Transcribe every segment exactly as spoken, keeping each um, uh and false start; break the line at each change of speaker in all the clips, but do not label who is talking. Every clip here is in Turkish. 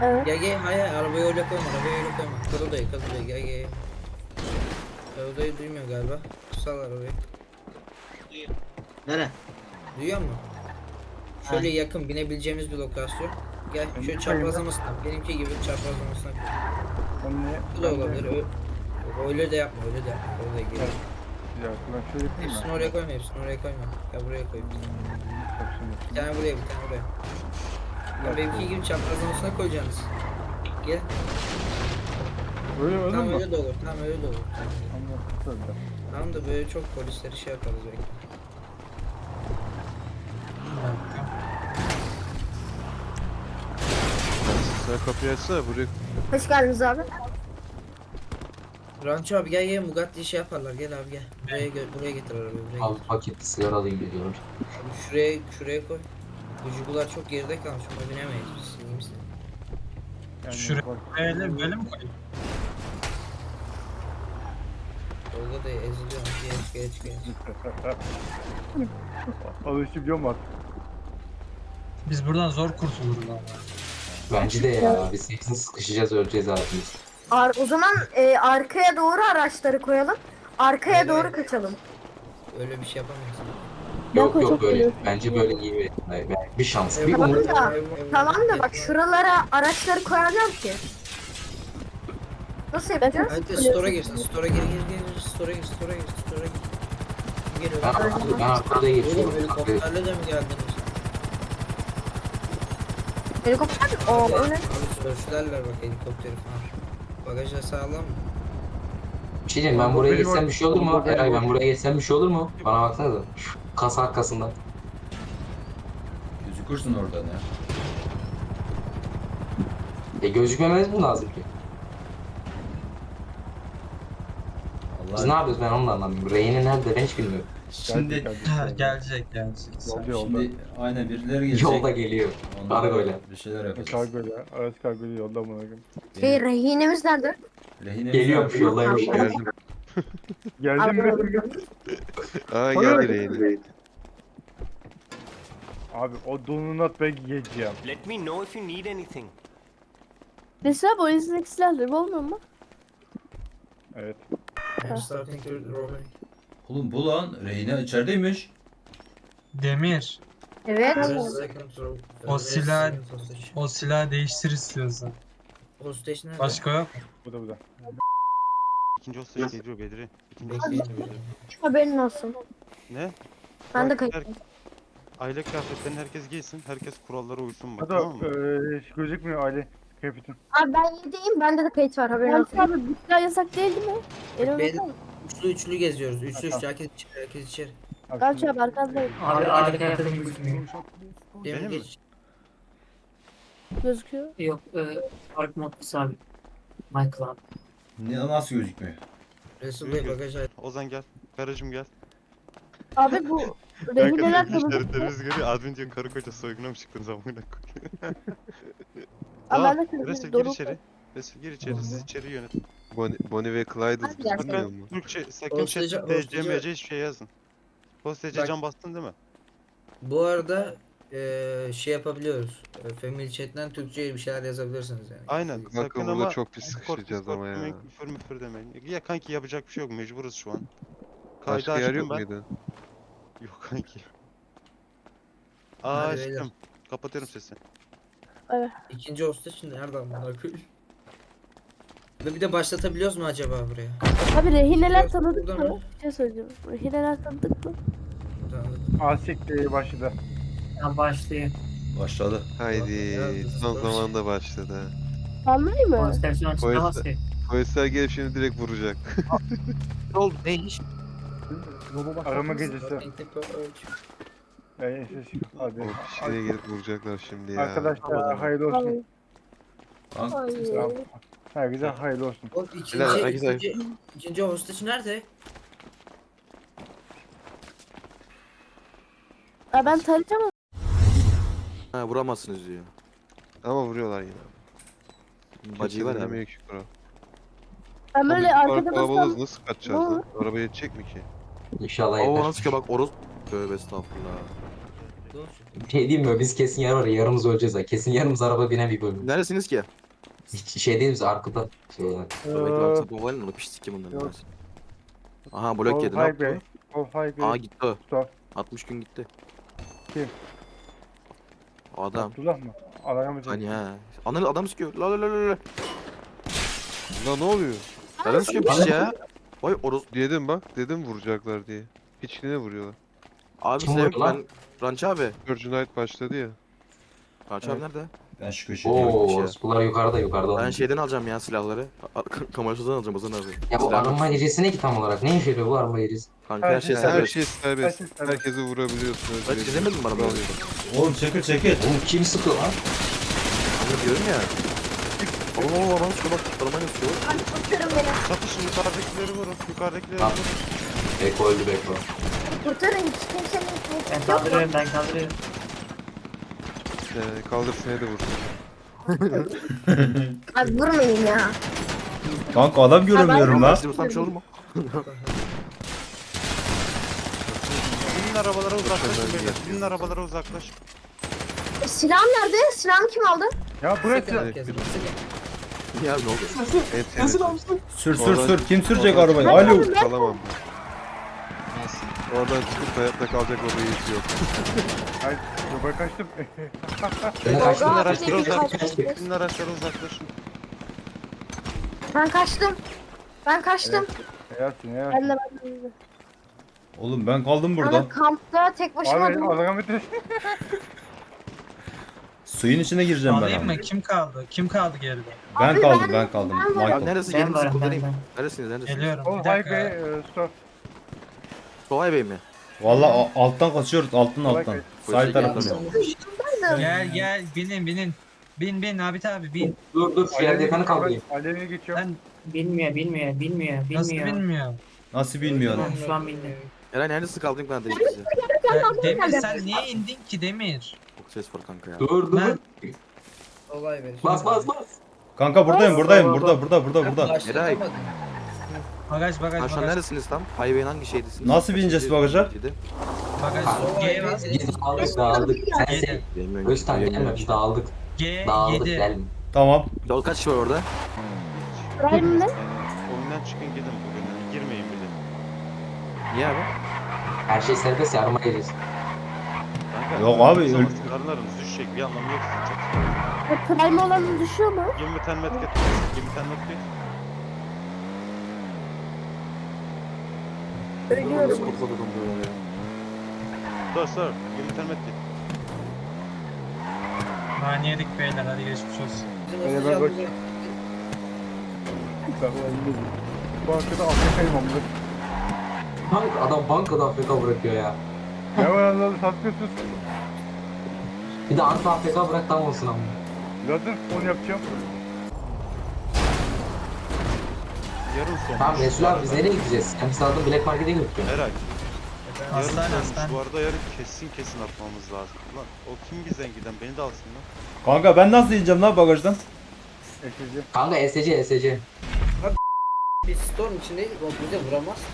Evet.
Gel gel, hayır arabayı öyle koyma, arabayı öyle koyma. Kız odayı, kız odayı, gel gel. Kız odayı duymuyor galiba. Sal arabayı.
Nere?
Duyuyor musun? Şöyle yakın binebileceğimiz bir lokasyon. Gel
Ben
şöyle
de
çaprazlamasına. Benimki gibi çaprazlamasına.
Ben ne?
Bu da
Ben de-
olabilir. Ö- Öyle de yapma, öyle de yapma. Öyle gel.
Bir dakika ben şöyle yapayım mı?
Hepsini oraya koyma, hepsini oraya koyma. Gel buraya koy. Bir
Bak şimdi.
tane buraya, bir tane buraya. Ya benimki gibi çaprazlamasına koyacaksınız. Gel.
Öyle öyle
Tamam
mi?
öyle de olur. Tamam öyle de olur. Tamam.
Anladım. Söyle.
Tamam da böyle çok polisleri şey yaparız belki.
Sen kapıyı açsana buraya.
Hoş geldiniz abi.
Ranço abi gel gel, Bugatti şey yaparlar, gel abi gel. Buraya gö- buraya getir arabayı, buraya
Abi
getir.
paketli sigara alayım geliyorum.
Abi şuraya şuraya koy. Bu Jugular çok geride kalmış, ona binemeyiz biz. İyi misin?
Yani
Şuraya
bak-
böyle, böyle mi koyayım?
Tolga da eziliyor. Geç geç geç.
Alışabiliyor mu artık?
Biz buradan zor kurtuluruz ama.
Bence de ya. Biz hepsini sıkışacağız, öleceğiz abi biz.
Ar o zaman e, arkaya doğru araçları koyalım. Arkaya
Hayır,
doğru
hayır.
kaçalım.
Öyle bir şey yapamayız.
Yok yok böyle. Bence böyle iyi bir, yani bir şans. Bir
Tamam
umut.
da, tamam da bak şuralara araçları koyacağım ki. Nasıl yapacağız?
Hadi store'a girsin. Store'a gir gir gir. Store'a gir, store'a gir, store'a gir. Kim geliyor?
Ben arkada, ben arkada
Oğlum
geçiyorum.
helikopterle de mi geldiniz?
Helikopter mi? Oo, o ne?
Abi sörflerler bak helikopteri falan. Bagajda sağlam mı?
Bir şey diyeyim, ben buraya
Benim
geçsem bir şey olur mu?
orada-
Eray ben buraya geçsem bir şey olur mu? Bana baksana da. Şu kasa arkasından.
Gözükürsün oradan ya.
E gözükmememiz mi lazım ki? Biz ne
Allah.
yapıyoruz ben onu da anlamıyorum. Reyni nerede ben hiç bilmiyorum.
Şimdi
Geldik,
Ha,
geldik.
gelecek gelecek.
Yolda yolda.
şimdi aynen birileri gelecek.
Yolda geliyor.
Onlara
Kargoyla.
bir şeyler yapacağız.
Kargoyla. Araç kargoyla yolda buna göre.
Şey, rehinemiz nerede?
Rehinemiz
Geliyormuş
nerede?
yoldaymış.
Geldim.
Geldin mi?
Aa geldi rehin.
Abi o donut ben yiyeceğim.
Let me know if you need anything.
Mesela bu elinizdeki silahları olmuyor mu?
Evet.
I'm starting to roll.
Oğlum bu lan rehine içerideymiş.
Demir,
Evet.
O silah- o silahı değiştir istiyorsan.
Hostage nerede?
Başka yok.
Bu da bu da.
İkinci hostel geliyor Bedri. İkinci hostel
Bekleyin.
geliyor.
Haberin olsun.
Ne?
Ben de
Bak,
kayıt.
her- Aile kıyafetlerini herkes giysin. Herkes kurallara uysun bak,
Hadi
tamam mı?
eee gözükmüyor aile kıyafetin.
Abi ben yediyim. Bende de kayıt var, haberin
Yani
olsun.
abi bu silah yasak değil değil mi? Elime
Beyler-
bakar mısın?
Üçlü üçlü geziyoruz. Üçlü
Tamam.
üçlü herkes içeri, herkes içeri.
Galçı abi arkandayım.
Abi harika yaptığım gözükmüyor.
Demir
Benim mi?
geç.
Gözüküyor.
Yok, e, Ark Modus abi. My Club.
Ne, nasıl gözükmüyor?
Resul Bey bagaj aç.
Ozan gel. Garajım gel.
Abi bu rehineler tanıdık mı?
İşaretlerimiz görüyor. Admin diyor karı koca soyguna mı çıktınız amına koyayım.
Abi ben de
Resul
tanıdık.
gir
Doruk.
içeri. Resul gir içeri. Siz içeri yönetin.
Bonnie, Bonnie ve Clyde'ız
Hadi
biz
gel.
bilmiyor musun?
Türkçe sakın
Hosteci-
chat'te D C
hosteci-
M C hiçbir şey yazın. Hosteci
Bak-
can bastın değil mi?
Bu arada eee şey yapabiliyoruz. E, Family chat'ten Türkçe bir şeyler yazabilirsiniz yani.
Aynen.
Kanka
Sakın
burada
ama
çok pis
Discord,
sıkışacağız
Discord
ama ya.
demeyin, küfür müfür demeyin. Ya kanki yapacak bir şey yok. Mecburuz şu an. Kaydı
Başka yer
açtım
yok
ben.
muydu?
Yok kanki. Aa
Hadi beyler.
açtım. Kapatıyorum sesi.
İkinci hostage nerede amına koyayım? Ve bir de başlatabiliyoruz mu acaba buraya?
Abi rehineler
Biraz
tanıdık
buradan
mı? Bir şey söyleyeceğim. Rehineler tanıdık mı?
Tamam.
Asik de başladı.
Ya başlıyor.
Başladı.
Haydi
Ya,
son
biz-
zamanda başladı. ha.
Anlayayım mı?
Konsepsiyon
Polis-
açıkta basıyor.
Polisler gelip şimdi direkt vuracak.
Ne oldu? Ne iş?
Arama gecesi. Ey ses hadi.
O kişiye gelip vuracaklar şimdi ya.
Arkadaşlar hayırlı olsun.
Ay,
Lan
ay.
Tamam. Herkese hayırlı olsun.
O ikinci,
Helal, herkese-
ikinci, ikinci hostage nerede?
Aa, ben tarayacağım ama
Ha vuramazsınız diyor.
Ama vuruyorlar yine.
Bacıyı var ya.
Dinlemiyor ki kral.
ben böyle
Abi,
arkada
kalabalığız,
bassam
nasıl kaçacağız
Ne
lan? Araba yetecek mi ki?
İnşallah
Oo
yeter.
nasıl ki bak Oros. Tövbe estağfurullah.
Bir şey diyeyim mi? Biz kesin yer var ya yarımız öleceğiz ha. Kesin yarımız araba binen bir bölüm.
Neredesiniz ki?
Hiç şey değil miyiz arkada? Şeyler.
Dur bekle bak satma mobilin onu piştik kim bunları.
Yok.
biraz. Aha blok
All
yedi ne
highway.
yaptı?
All highway.
Aa gitti o.
Stop.
altmış gün gitti.
Kim?
Adam.
Abdullah mı? Arayamayacağım.
Hani ha. Ananı adam sıkıyor. La la la la la.
Lan ne oluyor?
Nereden sıkıyor piç ya? Vay oros.
Dedim bak. Dedim vuracaklar diye. Piçkine vuruyorlar.
Abi
Kim
sen
vurdu lan?
ben Ranç abi.
Virgin Night başladı ya.
Ranç abi nerede?
Ben şu köşedeyim.
Oo, bunlar yukarıda yukarıda.
Ben şeyden alacağım ya silahları. Kamerasızdan alacağım Ozan abi.
Ya bu
Silah-
arama gecesi ne ki tam olarak? Ne işe yarıyor bu arama gecesi?
Kanka her şey
Her
Her
serbest.
şey serbest.
Her şey serbest.
Herkesi vurabiliyorsun.
Ben
özgür.
çizemedin mi bana böyle?
Oğlum çekil çekil.
Oğlum kim sıkıyor lan?
Kanka diyorum ya. Oğlum oğlum adam sıkıyor bak. Aramayla sıkıyor.
Hadi kurtarın beni.
Çatışın yukarıdakileri vurun. Yukarıdakileri
Tamam.
vurun.
Beko öldü Beko.
Kurtarın hiç kimsenin
Ben
hiç yok mu?
kaldırıyorum ben kaldırıyorum.
Ee, kaldır seni de vursun.
Abi vurmayın ya.
Kanka adam göremiyorum lan.
Sizi vursam bir şey olur mu?
Binin arabalara uzaklaşın beyler. Binin arabalara uzaklaşın.
E, silahım nerede? Silahımı kim aldı?
Ya burası.
Sıkın herkes. Sıkın.
Ya ne oldu?
En sevdiğim.
Sür sür
Oradan-
sür. Kim sürecek
oradan
arabayı?
çıkıp
Alo.
Kalamam ben. Oradan çıkıp hayatta kalacak o reis yok.
Ay, yobaya kaçtım.
Ben
Tolga
kaçtım.
abi
araçlara
de
uzaklaşın.
kaçtı.
Binin araçlara uzaklaşın.
Ben kaçtım. Ben kaçtım.
Yasin ya.
Ben de ben de.
Oğlum ben kaldım burada.
Ama kampta tek başıma
Abi
dur.
arayamayacağım.
Suyun içine gireceğim ben
Alayım
ama.
mı? Kim kaldı? Kim kaldı geride?
Ben
Abi
kaldım
ben-
ben kaldım.
ben varım.
Abi
Michael.
neresi?
Ben
Gelin
varım ben
sıkıldırayım.
ben.
Neresiniz neredesiniz?
Geliyorum.
All
Bir dakika.
highway. e, Stop.
Solay Bey mi?
Valla a- alttan kaçıyoruz alttan alttan.
Polise
Sahil tarafından.
geldim.
Gel gel binin binin. Bin bin abi abi bin.
Dur dur şu yerde yakanı kaldırayım.
Alev'e geçiyorum.
Sen
Bilmiyor bilmiyor bilmiyor
nasıl
bilmiyor.
bilmiyor?
Nasıl bilmiyorum.
Tamam, şu an bilmiyor.
Eray neredesi kaldın ben de sizi.
Ya, Demir sen niye indin ki Demir?
Çok ses var kanka ya.
Dur dur.
Ben-
Olay ver.
Bas bas bas.
Kanka buradayım buradayım burada burada burada burada.
Eray.
Bagaj bagaj
Ha şu an
bagaj.
neredesiniz tam? Highway'in hangi şeydesiniz?
Nasıl bineceğiz bagaja?
Bagaj. G bas.
Biz dağıldık dağıldık. Sen sen.
Bilmiyorum.
Öztan gelme biz dağıldık.
G
Dağıldık
yedi.
gelme.
Tamam.
Yol kaç kişi var orada?
Prime ne?
Oyundan çıkın gidin bugün. Girmeyin bile.
Niye abi?
Her şey serbest ya arama gecesi.
Kanka,
Yok abi,
zaman
öl-
Karlarınız düşecek. Bir anlamı yok sizin çok.
Ya Prime olanın düşüyor mu?
yirmi tane met get. yirmi tane met get.
Ölüyorum.
Nasıl kurtuldum böyle ya?
Dur dur. yirmi tane met get.
Nane yedik beyler hadi geçmiş olsun.
Öyle ben bak- Bankada Afrika'yım amına.
Bank, adam bankada Afrika bırakıyor ya.
Ne var Allah'ım satmıyorsun.
Bir de Anta Afrika bırak tam olsun ama.
Zaten onu yapacağım.
Yarın son.
Tamam Resul abi biz nereye gideceğiz? Sen bizi aldın Black Market'e götürüyorsun.
Eray.
Hastane
Yarın
hastane.
sonmuş. Bu arada yarın kesin kesin atmamız lazım. Lan o kim bizden giden? Beni de alsın lan.
Kanka ben nasıl ineceğim lan bagajdan?
Eşici.
Kanka S C S C.
Biz storm içindeyiz. O bize vuramaz ki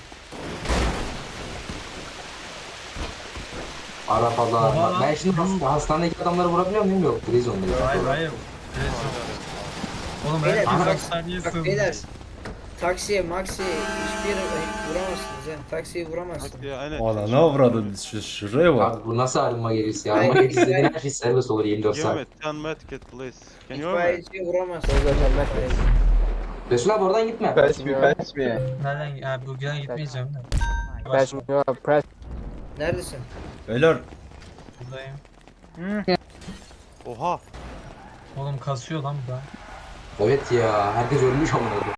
Arabalar.
Baba.
Ben şimdi hasta, hastanedeki adamları vurabiliyor muyum? Yok. Prizon'dayız.
Hayır hayır. Oğlum
Beyler,
ben
bak-
hastaneye
Bak
sığındım.
beyler. Taksiye, maksiye hiçbir yere vuramazsınız ya. Taksiyi vuramazsınız.
Hadi ya aynen.
Valla ne avradın şu şuraya bak.
Abi bu nasıl arınma gerisi ya? Arınma gerisi dediğin her şey serbest olur yirmi dört
Give
saat.
me ten met get please. Can you hear me?
İtfaiyeciye vuramazsınız.
Resul abi oradan gitme.
Nereden? Ya bugün gitmeyeceğim de. Baş
Neredesin?
Beyler
buradayım.
Oha.
Oğlum kasıyor lan bu da.
Evet ya. Herkes ölmüş amına koyayım.